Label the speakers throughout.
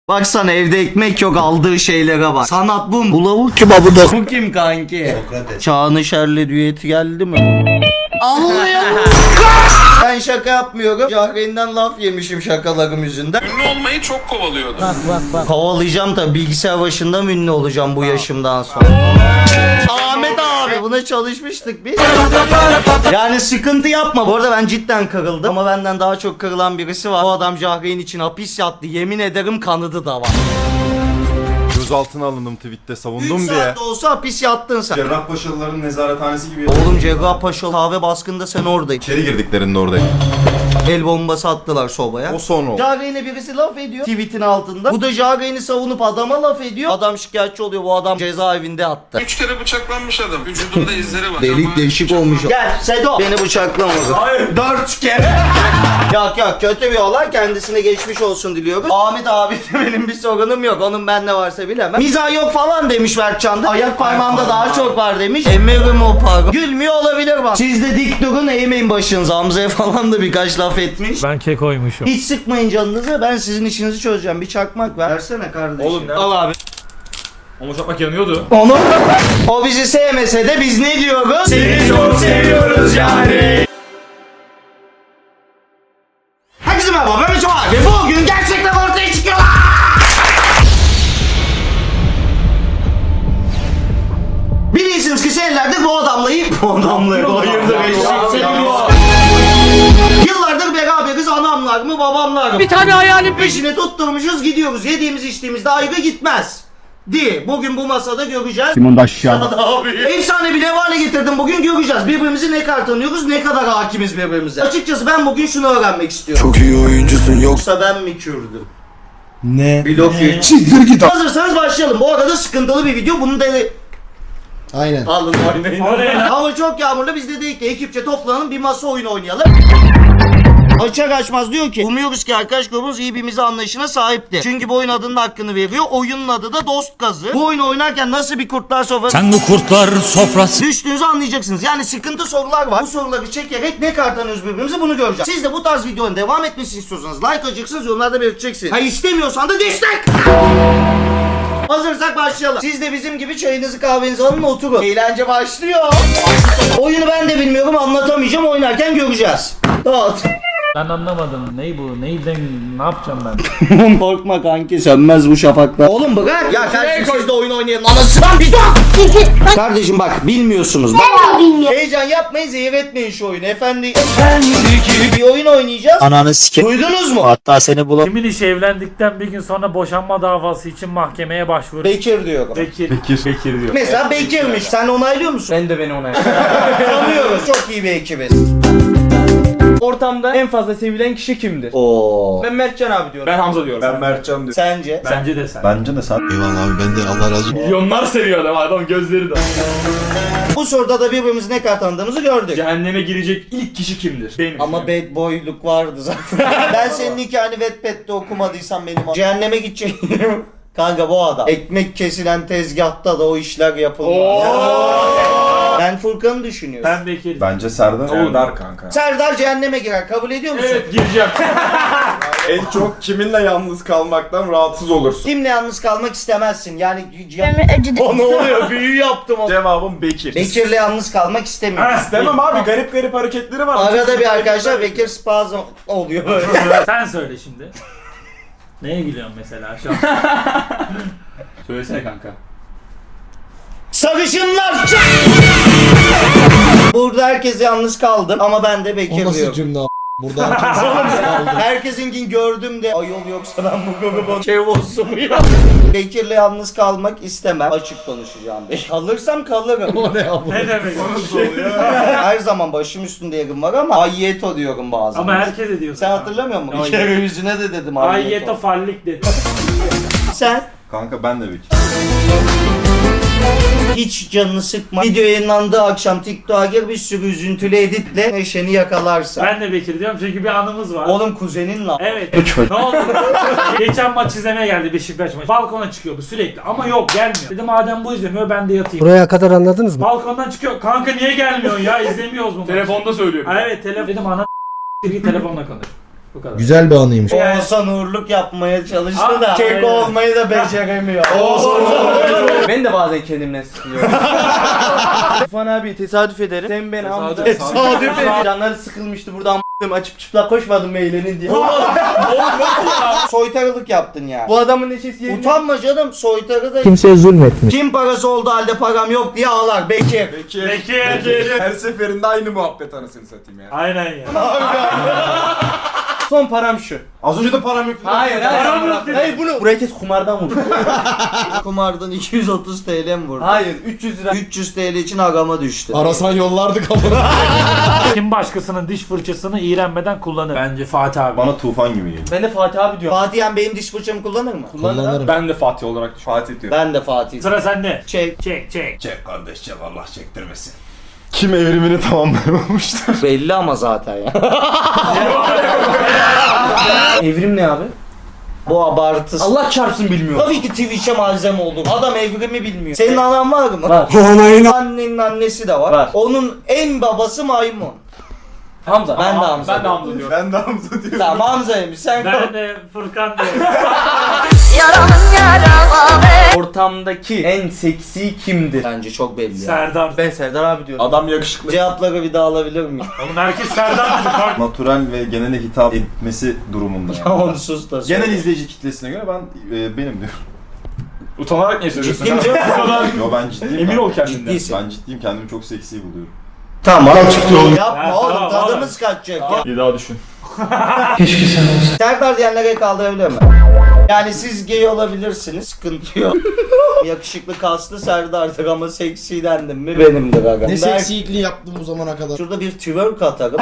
Speaker 1: Baksana evde ekmek yok, aldığı şeylere bak. Sanat bu mu? Bu lavuk kim abi da? Bu kim kanki?
Speaker 2: Sokrates.
Speaker 1: Çağnışer'le düeti geldi mi? Anlıyor. Ben şaka yapmıyorum. Cahreyn'den laf yemişim şakalarım yüzünden.
Speaker 3: Ünlü olmayı çok kovalıyordu.
Speaker 1: Kovalayacağım tabii, bilgisayar başında mı ünlü olacağım bu yaşımdan sonra? Ahmet abi buna çalışmıştık biz. Yani sıkıntı yapma. Bu arada ben cidden kırıldım. Ama benden daha çok kırılan birisi var. O adam Cahreyn için hapis yattı. Yemin ederim kanadı da var.
Speaker 4: Gözaltına alındım tweette
Speaker 1: 3
Speaker 4: savundum diye.
Speaker 1: saat de olsa hapis yattın sen.
Speaker 4: Cerrahpaşalıların nezarethanesi gibi.
Speaker 1: Oğlum Cerrahpaşa kahve baskında sen oradaydın.
Speaker 4: İçeri girdiklerinde oradayım.
Speaker 1: El bombası attılar sobaya.
Speaker 4: O son oldu.
Speaker 1: Cahreyn'e birisi laf ediyor tweetin altında. Bu da Cahreyn'i savunup adama laf ediyor. Adam şikayetçi oluyor, bu adam cezaevinde attı.
Speaker 3: 3 kere bıçaklanmış adam. Vücudunda izleri var.
Speaker 1: Delik
Speaker 3: Ama
Speaker 1: deşik olmuş. Gel Sedo. Beni bıçaklamadı. Hayır 4 kere. Yok kötü bir olay, kendisine geçmiş olsun diliyoruz. Ahmet abi de benim bir sorunum yok. Onun bende varsa bilemem. Mizah yok falan demiş Berkcan da. Ayak parmağımda daha çok var demiş. Emerim o parmağı. Gülmüyor olabilir bak. Siz de dik durun, eğmeyin başınızı. Hamza'ya falan da birkaç laf etmiş.
Speaker 5: Ben kekoymuşum.
Speaker 1: Hiç sıkmayın canınızı, ben sizin işinizi çözeceğim. Bir çakmak ver. Versene kardeşim.
Speaker 5: Oğlum ne?
Speaker 1: Al abi.
Speaker 5: Ama çakmak yanıyordu.
Speaker 1: Onu o bizi sevmese de biz ne diyoruz? Seni çok seviyoruz yani. Herkese merhaba, ben Mücüm abi. Bugün gerçekler ortaya çıkıyorlar. Bilirsiniz ki senelerde bu adamla hayırdır eşek. Yıllardır beraberiz, anamlar mı babamlar mı? Bir tane hayalim peşine tutturmuşuz, gidiyoruz. Yediğimiz içtiğimizde ayrı gitmez. Bugün bu masada göreceğiz.
Speaker 4: Simon da aşağı.
Speaker 1: Efsane bir hale getirdim, bugün göreceğiz. Birbirimizi ne kadar tanıyoruz, ne kadar hakimiz birbirimize. Açıkçası ben bugün şunu öğrenmek istiyorum.
Speaker 2: Çok iyi oyuncusun
Speaker 1: Yoksa ben mi Kürdüm?
Speaker 2: Ne?
Speaker 1: Blok ye.
Speaker 2: Çizdir git.
Speaker 1: Hazırsanız başlayalım. Bu arada sıkıntılı bir video. Bunu da
Speaker 2: Aynen.
Speaker 1: alın oynayın. Hava çok yağmurlu, biz de dedik ki ekipçe toplanalım, bir masa oyunu oynayalım. Açar açmaz diyor ki umuyoruz ki arkadaş grubumuz iyi birbirimize anlayışına sahiptir. Çünkü bu oyun adının hakkını veriyor. Oyunun adı da Dost Gazı. Bu oyunu oynarken nasıl bir kurtlar sofrası
Speaker 5: Sen bu kurtlar sofrası.
Speaker 1: düştüğünüzü anlayacaksınız. Yani sıkıntı sorular var. Bu soruları çekerek ne kadar tanıyoruz birbirimizi bunu göreceğiz. Siz de bu tarz videonun devam etmesini istiyorsanız like atacaksınız, yorumlarda belirteceksiniz. Ha istemiyorsan da destek. Hazırsak başlayalım. Siz de bizim gibi çayınızı kahvenizi alın, oturun. Eğlence başlıyor. Oyunu ben de bilmiyorum, anlatamayacağım, oynarken göreceğiz. Dağıt.
Speaker 5: Ben anlamadım. Ney bu? Neyden? Ne yapacağım ben?
Speaker 1: Korkma kanki, sönmez bu şafaklar. Oğlum bırak. Ya kardeşim siz de oyun oynayalım. Anasından bir dur. Kardeşim bak bilmiyorsunuz. Ben bilmiyorum. Heyecan yapmayın, zehir etmeyin şu oyunu. Efendi gibi bir oyun oynayacağız.
Speaker 6: Ananı sike.
Speaker 1: Duydunuz mu?
Speaker 6: Hatta seni bulam.
Speaker 5: Kimin işi evlendikten bir gün sonra boşanma davası için mahkemeye başvurur.
Speaker 1: Bekir diyorum.
Speaker 5: Bekir diyor.
Speaker 1: Mesela Bekir'miş. Sen onaylıyor musun?
Speaker 7: Ben de beni onaylıyorum.
Speaker 1: Tanıyoruz. Çok iyi bir ekibiz.
Speaker 7: Ortamda en fazla sevilen kişi kimdir?
Speaker 1: Oo.
Speaker 7: Ben Mertcan abi diyorum.
Speaker 5: Ben Hamza diyorum.
Speaker 4: Ben Mertcan diyorum.
Speaker 1: Sence?
Speaker 5: Bence de sen.
Speaker 4: Bence de sen.
Speaker 6: Eyvallah abi ben de Allah razı olsun.
Speaker 5: Milyonlar seviyor adam gözleri de.
Speaker 1: Bu soruda da birbirimizi ne kadar tanıdığımızı gördük.
Speaker 5: Cehenneme girecek ilk kişi kimdir? Benim.
Speaker 1: Ama bad boyluk vardı zaten. Ben senin hikayeni Wattpad'de okumadıysam benim cehenneme gideceğim. Kanka bu adam. Ekmek kesilen tezgahta da o işler yapılmaz. Ben Furkan'ı düşünüyorum.
Speaker 5: Ben Bekir.
Speaker 4: Bence Serdar.
Speaker 5: Serdar kanka.
Speaker 1: Serdar cehenneme girer. Kabul ediyor musun?
Speaker 5: Evet gireceğim.
Speaker 4: En çok kiminle yalnız kalmaktan rahatsız olursun.
Speaker 1: Kimle yalnız kalmak istemezsin? Yani
Speaker 8: acıdı.
Speaker 1: o ne oluyor? Büyü yaptım o.
Speaker 4: Cevabım Bekir.
Speaker 1: Bekir'le yalnız kalmak istemiyorum.
Speaker 4: İstemem abi, garip garip hareketleri var.
Speaker 1: Arada bir arkadaşlar Bekir spazm oluyor böyle.
Speaker 5: Sen söyle şimdi. Neye gülüyorsun mesela şu an? Söylesene kanka.
Speaker 1: Sarışınlar! Burada herkes yalnız kaldım ama ben de Bekir
Speaker 2: O nasıl
Speaker 1: diyorum.
Speaker 2: cümle a**? Burada herkes yalnız kaldı.
Speaker 1: Herkesin gördüm de ayol yoksa ben bu grubun şey olsun mu ya? Bekir'le yalnız kalmak istemem. Açık konuşacağım. Kalırsam kalırım.
Speaker 2: O ne abi?
Speaker 5: Ne demek?
Speaker 1: Her zaman başım üstünde yerim var ama ayyeto diyorum bazen.
Speaker 5: Ama herkes ediyor.
Speaker 1: Sen hatırlamıyor musun? Bir
Speaker 5: Hayır.
Speaker 1: kere yüzüne de dedim
Speaker 5: Ayyeto fallik dedi.
Speaker 1: Sen
Speaker 4: Kanka ben de Bekir.
Speaker 1: hiç canını sıkma. Video yayınlandığı akşam TikTok'a gir, bir sürü üzüntülü editle neşeni yakalarsın.
Speaker 5: Ben de Bekir diyorum çünkü bir anımız var.
Speaker 1: Oğlum kuzenin lan.
Speaker 5: Evet. Ne oldu? Geçen maç izlemeye geldi Beşiktaş maçı. Balkona çıkıyor bu sürekli ama yok gelmiyor. Dedim madem bu izlemiyor ben de yatayım.
Speaker 6: Buraya kadar anladınız mı?
Speaker 5: Balkondan çıkıyor. Kanka niye gelmiyorsun ya izlemiyoruz mu? Telefonda söylüyor. Evet telefon. Dedim ana git telefonla konuş. Bu kadar.
Speaker 2: Güzel bir anıymış.
Speaker 1: Oğuzhan uğurluk yapmaya çalıştı da kek
Speaker 5: aynen.
Speaker 1: olmayı da beceremiyor.
Speaker 7: Ben de bazen kendimden sıkılıyorum. Tufan abi tesadüf ederim. Sen ben Hamza.
Speaker 1: Tesadüf ederim.
Speaker 7: Canları sıkılmıştı buradan açıp çıplak koşmadım mı eğlenin diye.
Speaker 1: Soytarılık yaptın ya.
Speaker 7: Bu adamın neşesi yerine.
Speaker 1: Utanma canım, soytarı da
Speaker 6: Kimseye zulmetmiş.
Speaker 1: kim parası olduğu halde param yok diye ağlar. Bekir.
Speaker 5: Peki.
Speaker 4: Her seferinde aynı muhabbet anasını satayım ya.
Speaker 5: Aynen ya.
Speaker 7: Son param şu.
Speaker 4: Az önce de param yok.
Speaker 7: Hayır
Speaker 5: Param yok dedi.
Speaker 7: Hayır bunu. Buraya kes kumardan vur.
Speaker 1: Kumardan 230 TL mi vurdu?
Speaker 7: Hayır 300 lira.
Speaker 1: 300 TL için agama düştü.
Speaker 2: Arasan yollardık ama.
Speaker 5: Kim başkasının diş fırçasını iğrenmeden kullanır? Bence Fatih abi.
Speaker 8: Bana tufan gibi geliyor.
Speaker 7: Ben de Fatih abi diyorum.
Speaker 1: Fatih Yan benim diş fırçamı kullanır mı?
Speaker 2: Kullanırım.
Speaker 4: Ben de Fatih olarak Fatih diyorum.
Speaker 1: Ben de Fatih.
Speaker 5: Sıra sende.
Speaker 1: Çek.
Speaker 5: Çek.
Speaker 8: Çek kardeş çek, Allah çektirmesin. Kim evrimini tamamlayamamıştır?
Speaker 1: Belli ama zaten ya.
Speaker 7: Evrim ne abi?
Speaker 1: Bu abartı.
Speaker 7: Allah çarpsın bilmiyorum.
Speaker 1: Tabii ki Twitch'e malzeme olur. Adam evrimi bilmiyor. Senin anan var mı?
Speaker 7: Var.
Speaker 1: Annenin annesi de var.
Speaker 7: Var.
Speaker 1: Onun en babası maymun.
Speaker 7: Hamza.
Speaker 1: Ben de Hamza.
Speaker 7: Ben de Hamza diyorum.
Speaker 4: Ben de Hamza diyorum.
Speaker 1: Tamam Hamza'ymış sen.
Speaker 5: Ben de Furkan diyorum.
Speaker 7: Ortamdaki en seksi kimdir?
Speaker 1: Bence çok belli ya.
Speaker 5: Serdar.
Speaker 7: Ben Serdar abi diyorum.
Speaker 4: Adam yakışıklı.
Speaker 1: Cevapları bir daha alabilir miyim?
Speaker 5: Oğlum herkes Serdar dedi. Kalk.
Speaker 8: Natural ve genele hitap etmesi durumunda yani.
Speaker 1: Onu sus da söyle.
Speaker 8: Genel izleyici kitlesine göre ben benim diyorum.
Speaker 4: Utanarak niye söylüyorsun?
Speaker 1: Ciddiyim canım.
Speaker 8: Yo ben ciddiyim.
Speaker 4: Emin
Speaker 8: ben.
Speaker 4: ol kendinden.
Speaker 1: Ciddiysin.
Speaker 8: Ben ciddiyim, kendimi çok seksi buluyorum.
Speaker 1: Tamam. Yapma
Speaker 5: Ha,
Speaker 1: oğlum
Speaker 5: tamam,
Speaker 1: tadımız kaçacak ya.
Speaker 4: Bir daha düşün.
Speaker 1: Serdar diyenlere kaldırabilir mi? Yani siz gay olabilirsiniz, sıkıntı yok. Yakışıklı kaslı Serdar'dır ama seksi dendim mi benimdir aga.
Speaker 2: Ne seksikliği yaptım bu zamana kadar.
Speaker 1: Şurada bir twerk atarım.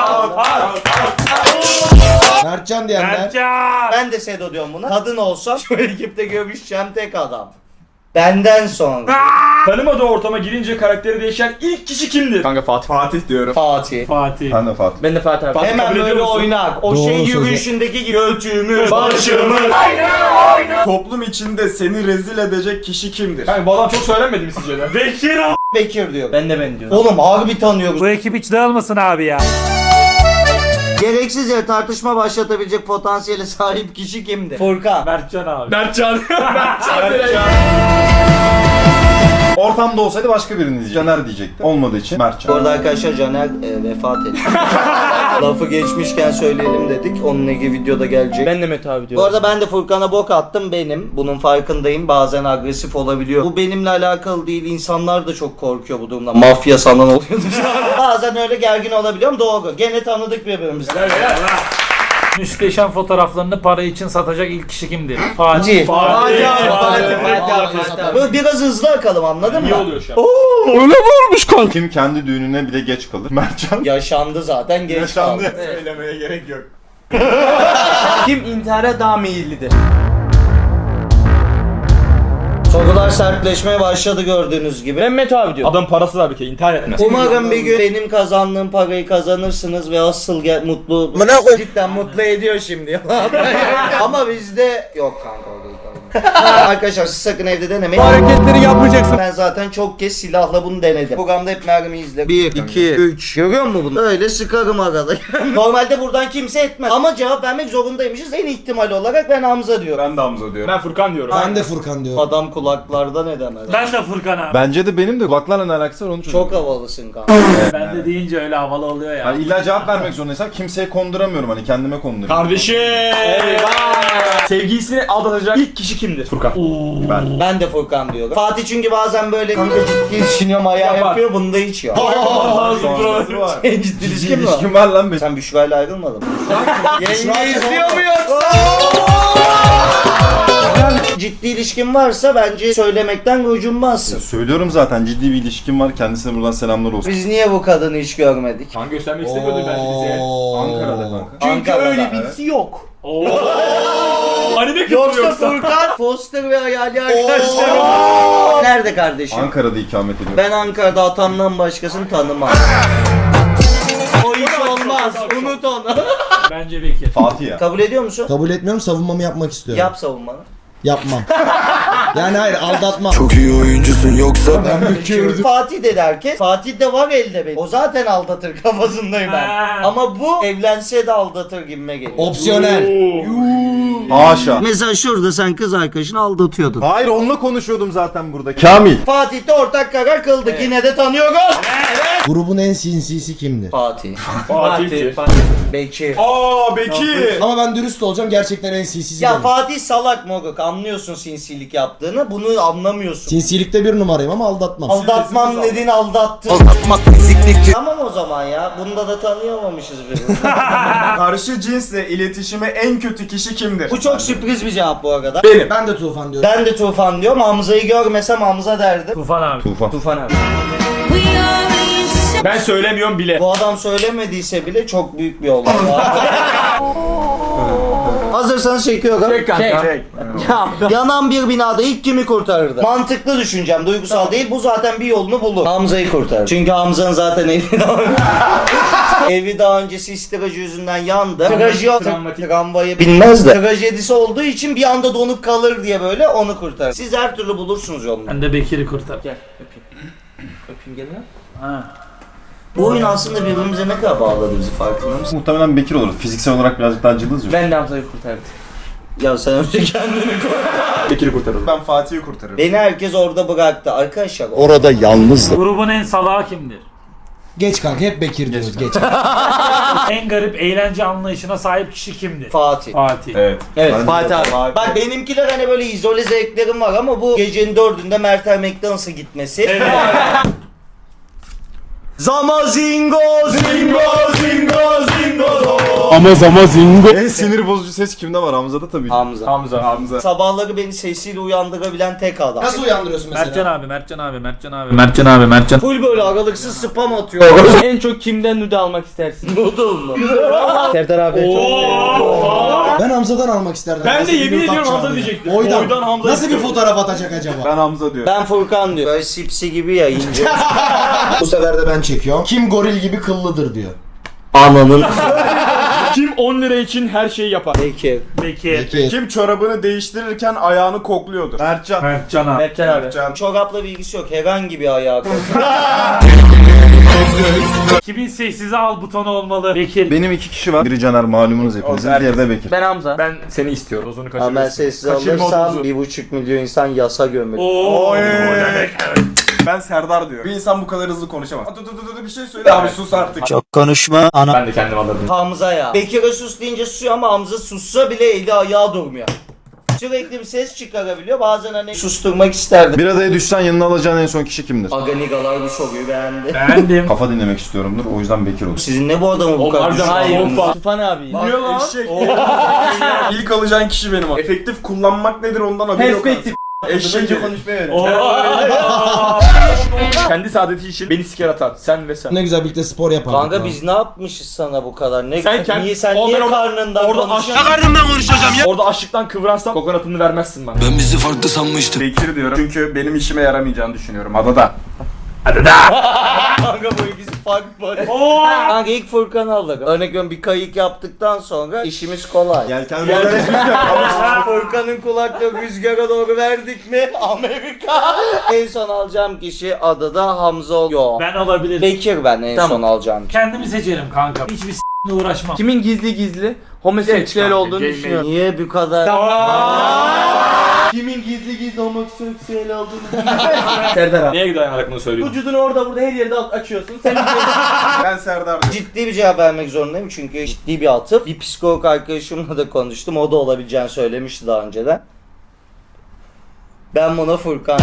Speaker 2: Mertcan diyenler.
Speaker 5: Mertcan.
Speaker 1: Ben de Sedo diyorum buna. Kadın olsam şu ekipte görüşeceğim tek adam. Benden sonra
Speaker 4: Tanımadığı ortama girince karakteri değişen ilk kişi kimdir? Kanka Fatih. Fatih diyorum.
Speaker 1: Fatih.
Speaker 5: Fatih.
Speaker 8: Ben de Fatih.
Speaker 7: Ben de Fatih abi.
Speaker 4: Fatih
Speaker 1: Hemen
Speaker 4: kabul ediyor
Speaker 1: böyle
Speaker 4: musun?
Speaker 1: oynar. O
Speaker 2: Doğru
Speaker 1: şey
Speaker 2: söz.
Speaker 1: yürüyüşündeki götümü, başımı.
Speaker 4: Toplum içinde seni rezil edecek kişi kimdir? Kanka bu adam çok söylenmedi mi sizce de?
Speaker 5: Bekir abi.
Speaker 1: Bekir diyor.
Speaker 7: Ben de ben diyorum.
Speaker 1: Oğlum harbi tanıyoruz.
Speaker 5: Bu ekip hiç dağılmasın abi ya.
Speaker 1: Gereksiz yere tartışma başlatabilecek potansiyele sahip kişi kimdi? Furkan.
Speaker 5: Mertcan abi.
Speaker 4: Mertcan.
Speaker 8: Ortamda olsaydı başka birini diyecekti. Caner diyecekti. Olmadığı için
Speaker 1: Bu
Speaker 8: Mertcan.
Speaker 1: arada arkadaşlar Caner vefat etti. Lafı geçmişken söyleyelim dedik. Onunla ilgili videoda gelecek.
Speaker 7: Ben de Mete abi
Speaker 1: Bu
Speaker 7: diyorum.
Speaker 1: arada ben de Furkan'a bok attım benim. Bunun farkındayım. Bazen agresif olabiliyor. Bu benimle alakalı değil. İnsanlar da çok korkuyor bu durumdan. Mafya sanan oluyor dışarıda. Bazen öyle gergin olabiliyorum. Doğru. Gene tanıdık birbirimizi.
Speaker 5: Müsteşem fotoğraflarını para için satacak ilk kişi kimdir? Fatih.
Speaker 1: Fatih.
Speaker 7: Fatih.
Speaker 1: Böyle biraz hızlı akalım anladın mı?
Speaker 4: İyi oluyor şu an.
Speaker 8: Kim kendi düğününe bile geç kalır? Mertcan.
Speaker 1: Yaşandı zaten geç
Speaker 8: Yaşandı.
Speaker 1: kaldı.
Speaker 4: Söylemeye gerek yok.
Speaker 7: Kim intihara daha meyillidir?
Speaker 1: Sorular sertleşmeye başladı gördüğünüz gibi.
Speaker 7: Ben Mete abi diyorum.
Speaker 4: Adam parası var bir kere intihar etmez.
Speaker 1: Umarım bir gün benim kazandığım parayı kazanırsınız ve asıl mutlu cidden mutlu ediyor şimdi. Ama bizde yok kanka o değil, tamam. Arkadaşlar siz sakın evde denemeyin.
Speaker 7: hareketleri yapmayacaksın.
Speaker 1: Ben zaten çok kez silahla bunu denedim. Programda hep mermi izle. 1, 2, 3. Görüyor musun bunu? Öyle sıkarım arada. Normalde buradan kimse etmez. Ama cevap vermek zorundaymışız. En ihtimal olarak ben Hamza diyorum.
Speaker 4: Ben de Hamza diyorum. Ben Furkan diyorum.
Speaker 2: Ben de Furkan diyorum.
Speaker 1: Adam kulaklarda ne demez.
Speaker 5: Ben de Furkan abi.
Speaker 8: Bence de benim de kulaklarla ne alakası var onu
Speaker 1: Çok havalısın kanka.
Speaker 5: Ben de deyince öyle havalı oluyor ya.
Speaker 8: Yani illa cevap vermek zorundaysam kimseye konduramıyorum, hani kendime konduruyorum.
Speaker 4: Kardeşim. Sevgilisini aldatacak ilk kişi kimdir? Furkan.
Speaker 8: Ben.
Speaker 1: Ben de Furkan diyorum. Fatih çünkü bazen böyle kanka ciddi düşünüyorum ayağı
Speaker 4: Yapar.
Speaker 1: yapıyor. Bunda hiç yok.
Speaker 8: Sonrası var.
Speaker 1: Senin ciddi ilişkin mi var?
Speaker 8: İlişkim var lan benim.
Speaker 1: Sen Büşra ile ayrılmadın mı? Yenge izliyor mu yoksa? Ciddi ilişkin varsa bence söylemekten gocunmazsın.
Speaker 8: Söylüyorum zaten, ciddi bir ilişkim var. Kendisine buradan selamlar olsun.
Speaker 1: Biz niye bu kadını hiç görmedik?
Speaker 4: Kan göstermek istemiyordur belki bize.
Speaker 8: Ankara'da kanka.
Speaker 7: Çünkü
Speaker 1: Ankara'da,
Speaker 7: öyle
Speaker 1: evet.
Speaker 7: birisi yok.
Speaker 4: Anime kültürü
Speaker 1: Yoksa
Speaker 4: yoksa.
Speaker 1: Furkan, Foster ve hayali arkadaşlarım. Nerede kardeşim?
Speaker 8: Ankara'da ikamet ediyorum.
Speaker 1: Ben Ankara'da atamdan başkasını tanımam. O iş olmaz. Unut onu.
Speaker 5: Bence Bekir.
Speaker 8: Fatih ya.
Speaker 1: Kabul ediyor musun?
Speaker 2: Kabul etmiyorum, savunmamı yapmak istiyorum.
Speaker 1: Yap savunmanı.
Speaker 2: Yapmam. Yani hayır aldatma.
Speaker 6: Çok iyi oyuncusun yoksa
Speaker 2: Ben bükürdüm.
Speaker 1: Fatih de derken Fatih de var elde benim. O zaten aldatır kafasındayım ben.
Speaker 5: Ha.
Speaker 1: Ama bu evlense de aldatır gibime geliyor.
Speaker 2: Opsiyonel.
Speaker 8: Haşa.
Speaker 1: Mesela şurada sen kız arkadaşını aldatıyordun.
Speaker 8: Hayır onunla konuşuyordum zaten burada. Kamil.
Speaker 1: Fatih de ortak karar kıldık. Yine de tanıyoruz.
Speaker 2: Grubun en sinsisi kimdir?
Speaker 1: Fatih.
Speaker 4: Fatih.
Speaker 1: Bekir.
Speaker 4: Aa Bekir.
Speaker 2: Ama ben dürüst olacağım, gerçekten en sinsisi
Speaker 1: Ya
Speaker 2: benim.
Speaker 1: Fatih salak moruk. Anlıyorsun sinsilik yaptığını. Bunu anlamıyorsun.
Speaker 2: Sinsilikte bir numarayım ama aldatmam.
Speaker 1: Aldatmam dediğin aldattı. Tamam o zaman ya. Bunda da tanıyamamışız birbirini.
Speaker 4: Karşı cinsle iletişime en kötü kişi kimdir?
Speaker 1: Bu çok sürpriz bir cevap bu arada.
Speaker 4: Benim.
Speaker 2: Ben de Tufan diyorum.
Speaker 1: Ben de Tufan diyorum. Hamza'yı görmesem Hamza derdim.
Speaker 5: Tufan abi.
Speaker 7: Tufan abi.
Speaker 4: Ben söylemiyorum bile.
Speaker 1: Bu adam söylemediyse bile çok büyük bir olay. Hazırsanız çekiyorum.
Speaker 4: Çek.
Speaker 1: Yanan bir binada ilk kimi kurtarırdı? Mantıklı düşüneceğim, duygusal değil. Bu zaten bir yolunu bulur. Hamza'yı kurtarır. Çünkü Hamza'nın zaten evi daha önce sistiracı yüzünden yandı. Tramvayı bilmez de. Trajedisi olduğu için bir anda donup kalır diye böyle onu kurtarır. Siz her türlü bulursunuz yolunu.
Speaker 5: Ben de Bekir'i kurtar.
Speaker 7: Gel öpeyim. Öpeyim gel lan.
Speaker 5: Ha.
Speaker 1: Bu oyun aslında birbirimize ne kadar bağladı bizi, farkında mısın?
Speaker 8: Muhtemelen Bekir olur. Fiziksel olarak birazcık daha cılız yok.
Speaker 7: Ben de Hamza'yı kurtardım.
Speaker 1: Ya sen önce kendini koy.
Speaker 4: Bekir'i kurtarırım. Ben Fatih'i kurtarırım.
Speaker 1: Beni herkes orada bıraktı. Arkadaşlar
Speaker 6: orada yalnızdı.
Speaker 5: Grubun en salağı kimdir?
Speaker 2: Geç kanka, hep Bekir diyoruz, geç.
Speaker 5: En garip eğlence anlayışına sahip kişi kimdir?
Speaker 1: Fatih.
Speaker 5: Fatih.
Speaker 4: Evet.
Speaker 7: Evet
Speaker 8: Ben de
Speaker 7: Fatih abi.
Speaker 1: Bak benimkiler hani böyle izole zevklerim var ama bu gecenin 4'ünde Mertel McDonald's'a gitmesi. Zamazingo zingo zingo zingo.
Speaker 6: Ama zingo.
Speaker 8: En sinir bozucu ses kimde var? Hamza'da tabii.
Speaker 1: Hamza.
Speaker 4: Hamza.
Speaker 1: Sabahları beni sesiyle uyandırabilen tek adam.
Speaker 2: Nasıl uyandırıyorsun mesela?
Speaker 5: Mertcan abi.
Speaker 1: Full böyle aralıksız spam atıyor.
Speaker 7: En çok kimden nude almak istersin?
Speaker 1: Noodle mu?
Speaker 7: Serdar abi.
Speaker 2: Ben Hamza'dan almak isterdim.
Speaker 4: Ben de
Speaker 2: Nasıl bir
Speaker 4: yemin
Speaker 2: fotoğraf
Speaker 4: ediyorum Hamza
Speaker 2: çağırdı ya?
Speaker 4: diyecektim.
Speaker 2: Oydan.
Speaker 4: Oydan Hamza
Speaker 2: Nasıl bir
Speaker 4: istiyorum.
Speaker 2: fotoğraf atacak acaba?
Speaker 4: Ben Hamza diyorum.
Speaker 1: Ben Furkan diyor. Böyle sipsi gibi ya ince.
Speaker 2: Bu sefer de ben çekiyorum. Kim goril gibi kıllıdır diyor.
Speaker 1: Ananın.
Speaker 4: Kim 10 lira için her şeyi yapar?
Speaker 1: Peki.
Speaker 5: Bekir.
Speaker 2: Peki.
Speaker 4: Kim çorabını değiştirirken ayağını kokluyordur?
Speaker 8: Mertcan.
Speaker 5: Mertcan abi.
Speaker 7: Mertcan abi.
Speaker 4: Can.
Speaker 1: Çorapla bir ilgisi yok. Herhangi bir ayağı koy.
Speaker 5: Kimin sessize al butonu olmalı? Bekir.
Speaker 8: Benim iki kişi var. Biri Caner malumunuz hepinizin.
Speaker 4: Olsun,
Speaker 8: Diğeri de Bekir.
Speaker 7: Ben Hamza.
Speaker 4: Ben seni istiyorum. Ozunu
Speaker 1: Ama ben
Speaker 4: kaçırıyorsun.
Speaker 1: sessiz
Speaker 4: Kaçırma
Speaker 1: alırsam
Speaker 4: odunuzu.
Speaker 1: 1,5 milyon insan yasa gömülür.
Speaker 5: Oo.
Speaker 4: Ben Serdar diyorum. Bir insan bu kadar hızlı konuşamaz. Bir şey söyle abi, sus artık.
Speaker 6: Çok konuşma. Ana.
Speaker 4: Ben de kendim alırdım.
Speaker 1: Hamza ya. Bekir'e sus deyince susuyor ama Hamza sussa bile eli ayağı durmuyor. Sürekli bir ses çıkarabiliyor. Bazen hani susturmak isterdim.
Speaker 8: Bir adaya düşsen yanına alacağın en son kişi kimdir?
Speaker 1: Aganigalar bu soruyu beğendi.
Speaker 5: Beğendim.
Speaker 8: Kafa dinlemek istiyorumdur. O yüzden Bekir olur.
Speaker 1: Sizin ne bu adamı bu kadar
Speaker 4: Harbiden
Speaker 1: düşünüyorsunuz?
Speaker 7: Hayır. Tufan abi.
Speaker 4: Niye lan? Eşek. İlk alacağın kişi benim o. Efektif kullanmak nedir ondan haberi yok.
Speaker 7: Perspektif.
Speaker 4: Eşek konuşmaya öyle. Kendi saadeti için beni siker atar. Sen ve sen.
Speaker 2: Ne güzel birlikte spor yapardık.
Speaker 1: Kanka
Speaker 2: ha.
Speaker 1: biz ne yapmışız sana bu kadar? Ne
Speaker 4: Sen kendi-
Speaker 1: niye sen
Speaker 4: Oğlum
Speaker 1: niye
Speaker 4: ben
Speaker 1: karnından
Speaker 4: orada
Speaker 1: konuşuyorsun?
Speaker 4: Orada açlıktan kıvransam kokonatını vermezsin bana.
Speaker 6: Ben bizi farklı sanmıştım.
Speaker 4: Bekir diyorum çünkü benim işime yaramayacağını düşünüyorum adada.
Speaker 1: Kanka bu ikisi farklı. Kanka ilk Furkan'ı aldık. Örnek veriyorum bir kayık yaptıktan sonra işimiz kolay.
Speaker 8: Yelken
Speaker 1: Furkan'ın kulaklığı rüzgara doğru verdik mi Amerika. En son alacağım kişi adada Hamza yok.
Speaker 5: Ben olabilirim.
Speaker 1: Bekir ben en
Speaker 7: Tamam.
Speaker 1: son alacağım kişi.
Speaker 5: Kendimi seçerim kanka. Hiçbir s***le uğraşmam.
Speaker 7: Kimin gizli homoseksüel
Speaker 4: kanka,
Speaker 7: olduğunu
Speaker 4: gay
Speaker 7: düşünüyorum.
Speaker 1: Niye bu kadar? Kimin gizli homoseksüel olduğunu
Speaker 7: Serdar abi.
Speaker 4: Neye dayanarak bunu söylüyorsun?
Speaker 7: Vücudunu orada burada her yerde açıyorsun. Sen
Speaker 4: Ben Serdar diyorum.
Speaker 1: Ciddi bir cevap vermek zorundayım çünkü ciddi bir atıf. Bir psikolog arkadaşımla da konuştum. O da olabileceğini söylemişti daha önceden. Ben buna Furkan.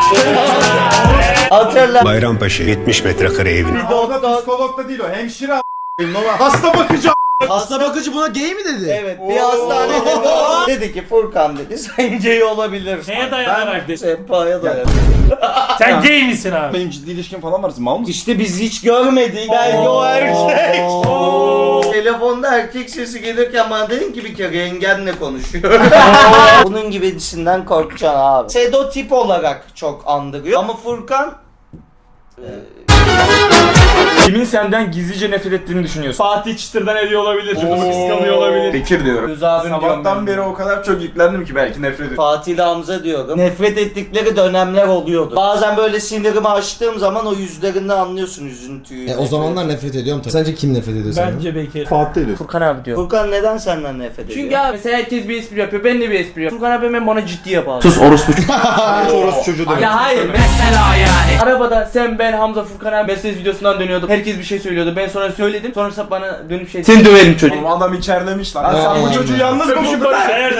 Speaker 1: Hatırla.
Speaker 6: Bayrampaşa 70 metrekare evin.
Speaker 8: Orada psikolog da değil o. Hemşire hasta bakıcı.
Speaker 2: Hasta bakıcı buna gay mi dedi?
Speaker 1: Evet bir hastanede dedi ki Furkan dedi sen gay olabilirsin.
Speaker 5: Neye dayanarak dedi?
Speaker 1: Sempaya dayanak.
Speaker 5: Sen gay misin abi?
Speaker 8: Benim ciddi ilişkim falan var. Mal mısın?
Speaker 1: İşte biz hiç görmedik. Belki o erkek. Telefonda erkek sesi gelirken bana dedin ki bir kere yengenle konuşuyor. Bunun gibisinden korkacaksın abi. Sedo tip olarak çok andırıyor ama Furkan
Speaker 4: Kimin senden gizlice nefret ettiğini düşünüyorsun? Fatih Çıtır'dan ediyor olabilir. Çocuk kıskanıyor olabilir. Bekir diyorum.
Speaker 7: Göz abim diyorum
Speaker 4: Sabahtan
Speaker 7: ben.
Speaker 4: beri o kadar çok yüklendim ki belki nefret ediyorum.
Speaker 1: Fatih ile Hamza diyorum. Nefret ettikleri dönemler oluyordu. Bazen böyle sinirimi açtığım zaman o yüzlerinden anlıyorsun üzüntüyü.
Speaker 2: O zamanlar nefret ediyorum tabii. Sence kim nefret ediyor senden?
Speaker 5: Bence Bekir.
Speaker 8: Fatih diyor.
Speaker 7: Furkan abi diyor.
Speaker 1: Furkan neden senden nefret ediyor?
Speaker 7: Çünkü abi mesela herkes bir espri yapıyor. Ben de bir espri yapıyorum. Furkan abi hemen bana ciddi yapar. Sus orospu.
Speaker 8: Orası çocuğu demek.
Speaker 7: Ya hayır mesela yani. Arabada sen ben Hamza Furkan abi Mercedes videosundan dönüyorduk. Herkes bir şey söylüyordu. Ben sonra söyledim. Sonrasında bana dönüp şey seni döverim çocuk.
Speaker 4: Oğlum adam içerlemiş lan. Sen bu çocuğu yalnız mı buldun?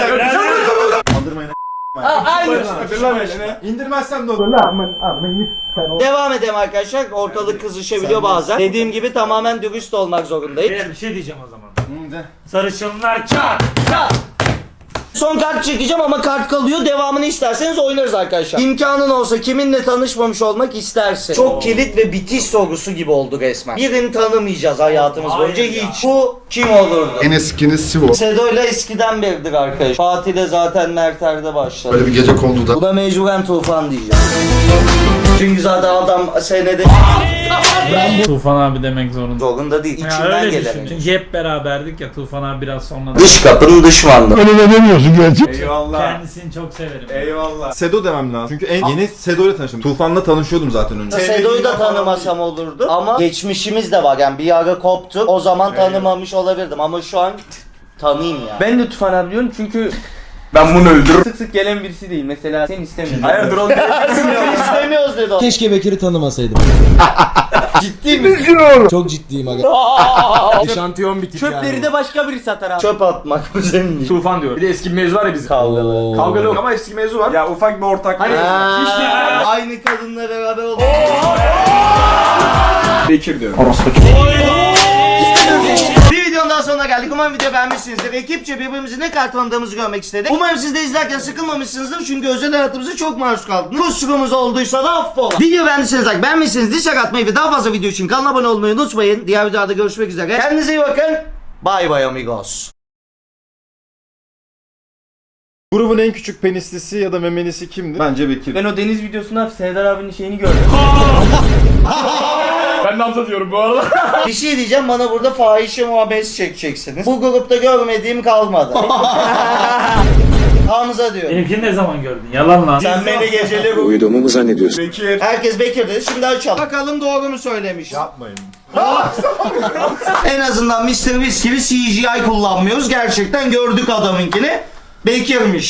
Speaker 7: Aynı.
Speaker 8: İndirmezsem de olur.
Speaker 1: Devam edelim arkadaşlar. Ortalık kızışabiliyor bazen. Dediğim gibi tamamen dürüst olmak zorundayım.
Speaker 5: Bir şey diyeceğim o zaman. Sarışınlar çat.
Speaker 1: Son kart çekeceğim ama kart kalıyor. Devamını isterseniz oynarız arkadaşlar. İmkanın olsa kiminle tanışmamış olmak istersin? Çok kilit ve bitiş sorusu gibi oldu resmen. Birini tanımayacağız hayatımız boyunca hiç. Bu kim olurdu?
Speaker 9: En eskiniz Sivo.
Speaker 1: Sedo'yla eskiden beridir arkadaş. Fatih'le zaten Merter'de başladı.
Speaker 9: Böyle bir gece konduda.
Speaker 1: Bu da mecburen Tufan diyeceğim. Çünkü zaten adam senede
Speaker 5: Tufan abi demek zorunda.
Speaker 1: zorunda değil.
Speaker 5: Ya
Speaker 1: İçinden
Speaker 5: öyle
Speaker 1: gelen.
Speaker 5: düşün. Çünkü hep beraberdik ya Tufan abi biraz sonra.
Speaker 1: Dış kapının düşmanlığı.
Speaker 4: Eyvallah.
Speaker 5: Kendisini çok severim.
Speaker 4: Eyvallah.
Speaker 8: Sedo demem lazım. Çünkü en yeni Sedo ile tanıştım. Tufan'la tanışıyordum zaten önce.
Speaker 1: Sedo'yu da tanımasam olurdu ama geçmişimiz de var yani bir ara koptuk o zaman tanımamış olabilirdim ama şu an tanıyayım ya.
Speaker 7: Ben de Tufan abi diyorum çünkü
Speaker 4: Ben bunu öldürürüm.
Speaker 7: sık sık gelen birisi değil. Mesela sen istemiyorsun.
Speaker 4: Hayırdır oğlum?
Speaker 1: İstemiyoruz dedi o.
Speaker 2: Keşke Bekir'i tanımasaydım.
Speaker 1: Ciddi mi?
Speaker 2: Çok ciddiyim aga. Eşantiyon bitik
Speaker 7: Çöpleri de başka biri satar abi.
Speaker 1: Çöp atmak bu senin için.
Speaker 4: Tufan diyor. Bir de eski bir mevzu var ya bizim.
Speaker 1: Kavgalı.
Speaker 4: Kavgalı yok ama eski mevzu var. Ya ufak bir ortak. Hani
Speaker 1: Aynı kadınla beraber olduk.
Speaker 4: Bekir diyorum.
Speaker 1: Bir videonun daha sonuna geldik. Umarım video beğenmişsinizdir. Ekipçe birbirimizi ne kadar tanıdığımızı görmek istedik. Umarım siz de izlerken sıkılmamışsınızdır. Çünkü özel hayatımıza çok maruz kaldınız. Kusurumuz olduysa da affola. Video beğendiyseniz like, beğenmişsiniz dislike atmayı ve daha fazla video için kanala abone olmayı unutmayın. Diğer videoda görüşmek üzere. Kendinize iyi bakın. Bye bye amigos.
Speaker 8: Grubun en küçük penislisi ya da memelisi kimdi? Bence Bekir.
Speaker 7: Ben o deniz videosunda Serdar abinin şeyini gördüm.
Speaker 4: Ben de Hamza diyorum bu arada.
Speaker 1: Bir şey diyeceğim, bana burada fahişe muhabbeti çekeceksiniz. Bu grupta görmediğim kalmadı. Hamza diyor.
Speaker 5: Benimkini ne zaman gördün? Yalan lan.
Speaker 1: Sen beni geceleri
Speaker 9: Uyuduğumu mu zannediyorsun?
Speaker 4: Bekir.
Speaker 1: Herkes Bekir dedi. Şimdi açalım. Bakalım doğru mu söylemiş.
Speaker 8: Yapmayın.
Speaker 1: En azından Mr. Beast gibi CGI kullanmıyoruz. Gerçekten gördük adamınkini. Bekir'miş.